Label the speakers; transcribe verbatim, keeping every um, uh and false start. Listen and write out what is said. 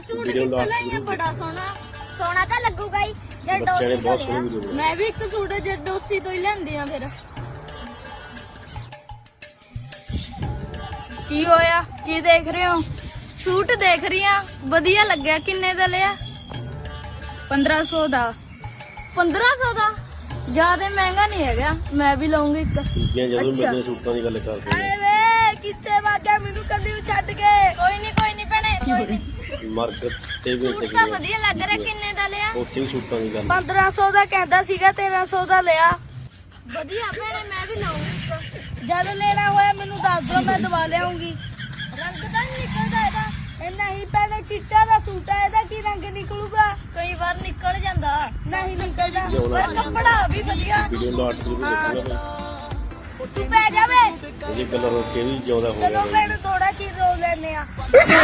Speaker 1: suit ਕਿੱਥੇ ਲਈਆਂ ਬੜਾ ਸੋਹਣਾ ਸੋਹਣਾ ਤਾਂ ਲੱਗੂਗਾ ਹੀ ਜੇ ਡੋਸੀ ਤੋਂ ਲਿਆ ਮੈਂ ਵੀ ਇੱਕ ਸੂਟ ਜੇ ਡੋਸੀ ਤੋਂ ਹੀ ਲੈਂਦੀ ਆ ਫਿਰ ਕੀ ਹੋਇਆ ਕੀ ਦੇਖ ਰਹੇ ਹੋ ਸੂਟ ਦੇਖ ਰਹੀ ਆ ਵਧੀਆ ਲੱਗਿਆ ਕਿੰਨੇ ਦਾ ਲਿਆ ਪੰਦਰਾਂ ਸੌ ਦਾ ਪੰਦਰਾਂ ਸੌ ਦਾ ਜ਼ਿਆਦਾ ਮਹਿੰਗਾ ਨਹੀਂ ਹੈਗਾ ਮੈਂ ਵੀ ਲਵਾਂਗੀ ਇੱਕ
Speaker 2: ਜਦੋਂ ਮੇਰੇ ਸੂਟਾਂ ਦੀ ਗੱਲ ਕਰਦੇ
Speaker 1: ਆਏ ਵੇ ਕਿੱਥੇ ਵਾਗਿਆ ਮੈਨੂੰ ਕੱਲੀ ਨੂੰ ਛੱਡ ਕੇ ਕੋਈ ਨਹੀਂ ਕੋਈ ਨਹੀਂ ਭੈਣੇ ਕੋਈ ਨਹੀਂ
Speaker 2: ਮਾਰਕੀਟ ਤੇ ਵੀ
Speaker 1: ਸੂਟ ਤਾਂ ਵਧੀਆ ਲੱਗ ਰਿਹਾ ਕਿੰਨੇ ਦਾ ਲਿਆ
Speaker 2: ਉੱਥੇ ਵੀ ਸੂਟਾਂ ਦੀ ਗੱਲ
Speaker 1: ਪੰਦਰਾਂ ਸੌ ਦਾ ਕਹਿੰਦਾ ਸੀਗਾ ਤੇਰਾਂ ਸੌ ਦਾ ਲਿਆ ਵਧੀਆ ਭੈਣੇ ਮੈਂ ਵੀ ਲਵਾਂਗੀ ਇੱਕ ਜਦ ਲੈਣਾ ਹੋਇਆ ਮੈਨੂੰ ਦੱਸ ਦਿਓ ਮੈਂ ਦਵਾ ਲਿਆਉਂਗੀ ਰੰਗ ਤਾਂ ਨਹੀਂ ਨਿਕਲਦਾ ਇਹਦਾ ਇਹ ਨਹੀਂ ਭੈਣੇ ਚਿੱਟਾ ਦਾ ਸੂਟ ਹੈ ਇਹਦਾ ਕੀ ਰੰਗ ਨਿਕਲੂਗਾ ਕਈ ਵਾਰ ਨਿਕਲ ਜਾਂਦਾ ਨਹੀਂ ਨਿਕਲਦਾ ਪਰ ਕੱਪੜਾ ਵੀ ਵਧੀਆ
Speaker 2: ਵੀਡੀਓ ਨੂੰ ਅੱਠ ਰੁਪਏ ਦੇਖਣਾ
Speaker 1: ਤੂੰ ਪੈ ਜਾਵੇ
Speaker 2: ਇਹ ਕਲਰ ਹੋ ਕੇ ਵੀ ਜਿਆਦਾ ਹੋ
Speaker 1: ਚਲੋ
Speaker 2: ਗਿਆ
Speaker 1: ਭੈਣੇ ਥੋੜਾ ਚੀਜ਼ ਰੋ ਲੈਨੇ ਆ